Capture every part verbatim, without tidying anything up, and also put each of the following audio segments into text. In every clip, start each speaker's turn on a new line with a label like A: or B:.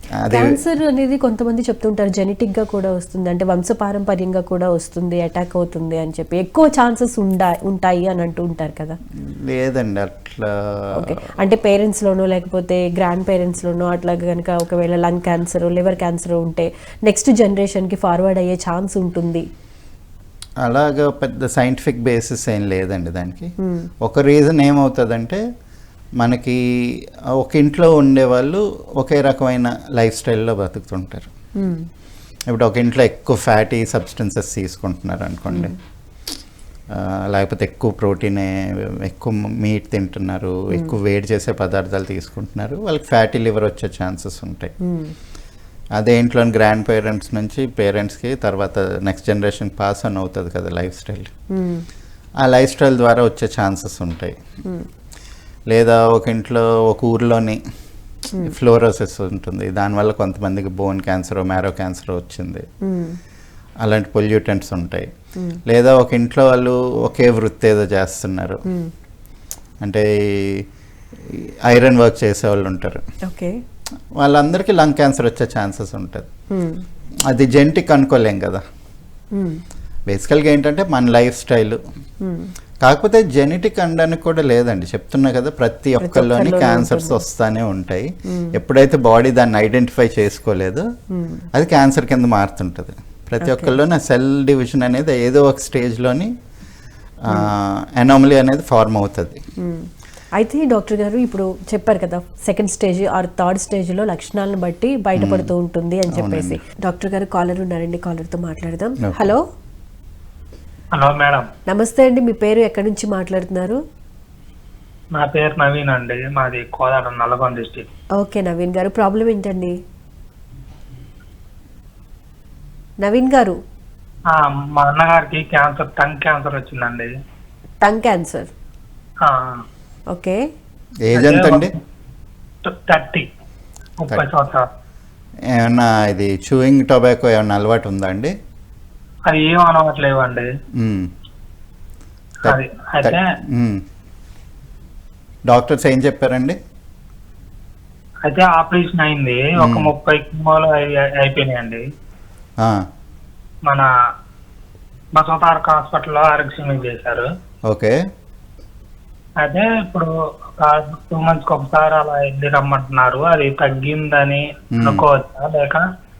A: Cancer అనేది కొంతమంది చెప్తుంటారు జెనెటిక్ గా కూడా వస్తుంది, అంటే వంశపారంపర్యంగా కూడా వస్తుంది, అటాక్ అవుతుంది అని చెప్పి ఎక్కువ ఛాన్సెస్ ఉండా ఉంటాయి అని అంటూ ఉంటారు కదా.
B: లేదండి అట్లా.
A: ఓకే, అంటే పేరెంట్స్ లోనో లేకపోతే గ్రాండ్ పేరెంట్స్ లోనో అట్లా కనుక ఒకవేళ లంగ్ క్యాన్సర్, లివర్ క్యాన్సర్ ఉంటే నెక్స్ట్ జనరేషన్ కి ఫార్వర్డ్ అయ్యే ఛాన్స్ ఉంటుంది.
B: అలాగా పెద్ద సైంటిఫిక్ బేసిస్ ఏం లేదండి దానికి. ఒక రీజన్ ఏమవుతుందంటే మనకి ఒక ఇంట్లో ఉండేవాళ్ళు ఒకే రకమైన లైఫ్ స్టైల్లో బతుకుతుంటారు. ఇప్పుడు ఒక ఇంట్లో ఎక్కువ ఫ్యాటీ సబ్స్టెన్సెస్ తీసుకుంటున్నారు అనుకోండి, లేకపోతే ఎక్కువ ప్రోటీన్, ఎక్కువ మీట్ తింటున్నారు, ఎక్కువ వేడి చేసే పదార్థాలు తీసుకుంటున్నారు, వాళ్ళకి ఫ్యాటీ లివర్ వచ్చే ఛాన్సెస్ ఉంటాయి. అదే ఇంట్లో గ్రాండ్ పేరెంట్స్ నుంచి పేరెంట్స్కి తర్వాత నెక్స్ట్ జనరేషన్ పాస్ ఆన్ అవుతుంది కదా లైఫ్ స్టైల్. ఆ లైఫ్ స్టైల్ ద్వారా వచ్చే ఛాన్సెస్ ఉంటాయి. లేదా ఒక ఇంట్లో ఒక ఊర్లోని ఫ్లోరోసిస్ ఉంటుంది, దానివల్ల కొంతమందికి బోన్ క్యాన్సర్, మ్యారో క్యాన్సర్ వచ్చింది, అలాంటి పొల్యూటెంట్స్ ఉంటాయి. లేదా ఒక ఇంట్లో వాళ్ళు ఒకే వృత్తి ఏదో చేస్తున్నారు, అంటే ఐరన్ వర్క్ చేసే వాళ్ళు ఉంటారు, వాళ్ళందరికీ లంగ్ క్యాన్సర్ వచ్చే ఛాన్సెస్ ఉంటుంది. అది జెనెటిక్ అనుకోలేం కదా. బేసికల్గా ఏంటంటే మన లైఫ్ స్టైల్. కాకపోతే జెనెటిక్ అనడానికి కూడా లేదండి, చెప్తున్నా కదా ప్రతి ఒక్కరిలోని క్యాన్సర్స్ వస్తానే ఉంటాయి. ఎప్పుడైతే బాడీ దాన్ని ఐడెంటిఫై చేసుకోలేదో అది క్యాన్సర్ కింద మారుతుంటుంది. ప్రతి ఒక్కరిలోని సెల్ డివిజన్ అనేది ఏదో ఒక స్టేజ్లోని అనామలీ అనేది ఫార్మ్ అవుతుంది.
A: అయితే డాక్టర్ గారు ఇప్పుడు చెప్పారు కదా సెకండ్ స్టేజ్ ఆర్ థర్డ్ స్టేజ్లో లక్షణాలను బట్టి బయటపడుతూ ఉంటుంది అని చెప్పేసి. డాక్టర్ గారు కాలర్ ఉన్నారండి, కాలర్తో మాట్లాడదాం. హలో.
C: Hello madam.
A: నమస్తే అండి, మీ పేరు ఎక్కడి నుంచి మాట్లాడుతున్నారు?
C: నా పేరు నవీన్ అండి, మాది Kodad Nalgonda district.
A: Okay Naveen garu, problem ఏంటండి? నవీన్ గారు,
C: మా అన్నగారికి క్యాన్సర్, టంగ్ క్యాన్సర్ వచ్చిందండి.
A: Tongue cancer, okay.
B: ఏజ్ ఎంత అండి?
C: థర్టీ, ముప్పై సంవత్సరాలు.
B: ఏమన్నా ఇది చూయింగ్ టొబాకో ఏమన్నా అలవాటు ఉందా అండి?
C: అది ఏం అనవట్లేవండి. అయితే
B: డాక్టర్స్ ఏం చెప్పారండి?
C: అయితే ఆపరేషన్ అయింది, ఒక ముప్పై కిమోలు అయిపోయినాయండి. మన బసవతారక హాస్పిటల్లో ఆరోగ్యం చేశారు.
B: ఓకే.
C: అయితే ఇప్పుడు ఒక టూ మంత్స్కి ఒకసారి అలా వెళ్ళి రమ్మంటున్నారు. అది తగ్గిందని అనుకోవచ్చా, లేక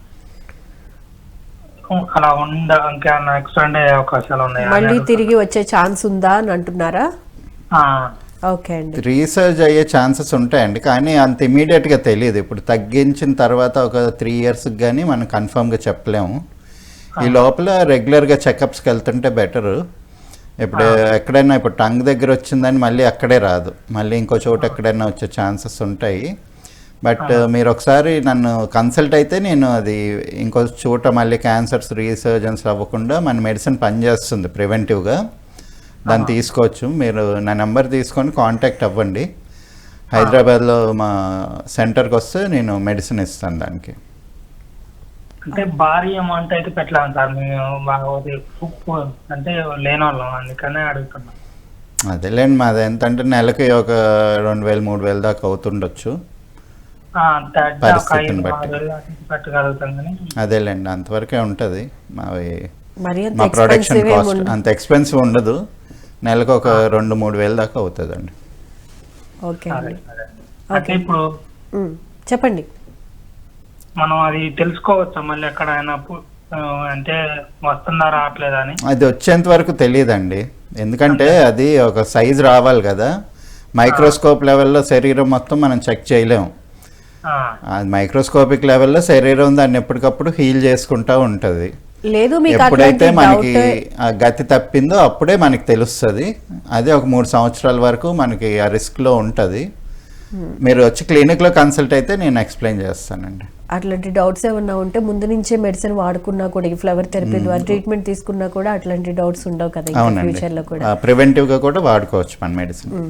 C: అలా ఉండ ఇంకేమన్నా ఎక్స్టెండ్ అయ్యే అవకాశాలు ఉన్నాయా?
A: మళ్ళీ తిరిగి వచ్చే ఛాన్స్ ఉందా అని అంటున్నారా? ఓకే అండి,
B: రీసెర్చ్ అయ్యే ఛాన్సెస్ ఉంటాయండి, కానీ అంత ఇమీడియట్గా తెలియదు. ఇప్పుడు తగ్గించిన తర్వాత ఒక త్రీ ఇయర్స్కి కానీ మనం కన్ఫర్మ్గా చెప్పలేము. ఈ లోపల రెగ్యులర్గా చెకప్స్కి వెళ్తుంటే బెటరు. ఇప్పుడు ఎక్కడైనా ఇప్పుడు టంగ్ దగ్గర వచ్చిందని మళ్ళీ అక్కడే రాదు, మళ్ళీ ఇంకో చోట ఎక్కడైనా వచ్చే ఛాన్సెస్ ఉంటాయి. బట్ మీరు ఒకసారి నన్ను కన్సల్ట్ అయితే నేను అది ఇంకో చోట మళ్ళీ క్యాన్సర్స్ రీసర్జెన్స్ అవ్వకుండా మన మెడిసిన్ పనిచేస్తుంది ప్రివెంటివ్గా, దాన్ని తీసుకోవచ్చు. మీరు నా నెంబర్ తీసుకొని కాంటాక్ట్ అవ్వండి. హైదరాబాద్లో మా సెంటర్కి వస్తే నేను మెడిసిన్ ఇస్తాను దానికి.
C: అంటే భారీ అమౌంట్ అయితే పెట్టలేము సార్, మేము అంటే లేని వాళ్ళం, అందుకనే అడుగుతున్నాం.
B: అదేలేండి, మాది ఎంతంటే నెలకి ఒక రెండు వేలు మూడు వేలు దాకా అవుతుండొచ్చు పరిస్థితిని బట్టి. అదేలేండి, అంతవరకే ఉంటుంది. మావి మా ప్రొడక్షన్ కాస్ట్ అంత ఎక్స్పెన్సివ్ ఉండదు, నెలకు ఒక రెండు మూడు వేలు దాకా అవుతుందండి.
A: ఓకే
C: అంటే ఇప్పుడు
A: చెప్పండి,
C: మనం అది తెలుసుకోవచ్చా మళ్ళీ ఎక్కడైనా అంటే వస్తుందా రావట్లేదా అని?
B: అది వచ్చేంత వరకు తెలియదండి, ఎందుకంటే అది ఒక సైజ్ రావాలి కదా. మైక్రోస్కోప్ లెవెల్లో శరీరం మొత్తం మనం చెక్ చేయలేము. మైక్రోస్కోపిక్ లెవెల్లో శరీరం దాన్ని ఎప్పటికప్పుడు హీల్ చేసుకుంటా ఉంటుంది. ఎప్పుడైతే మనకి ఆ గతి తప్పిందో అప్పుడే మనకి తెలుస్తుంది. అదే ఒక మూడు సంవత్సరాల వరకు మనకి ఆ రిస్క్లో ఉంటుంది. మీరు వచ్చి క్లినిక్లో కన్సల్ట్ అయితే నేను ఎక్స్ప్లెయిన్ చేస్తానండి.
A: అట్లాంటి డౌట్స్ ఏమన్నా ఉంటే ముందు నుంచే మెడిసిన్ వాడుకున్నా కూడా, ఈ ఫ్లవర్ థెరపీ ద్వారా ట్రీట్మెంట్ తీసుకున్నా కూడా అట్లాంటి డౌట్స్ ఉండవు కదా ఫ్యూచర్లో కూడా.
B: ప్రివెంటివ్గా కూడా వాడుకోవచ్చు మన మెడిసిన్.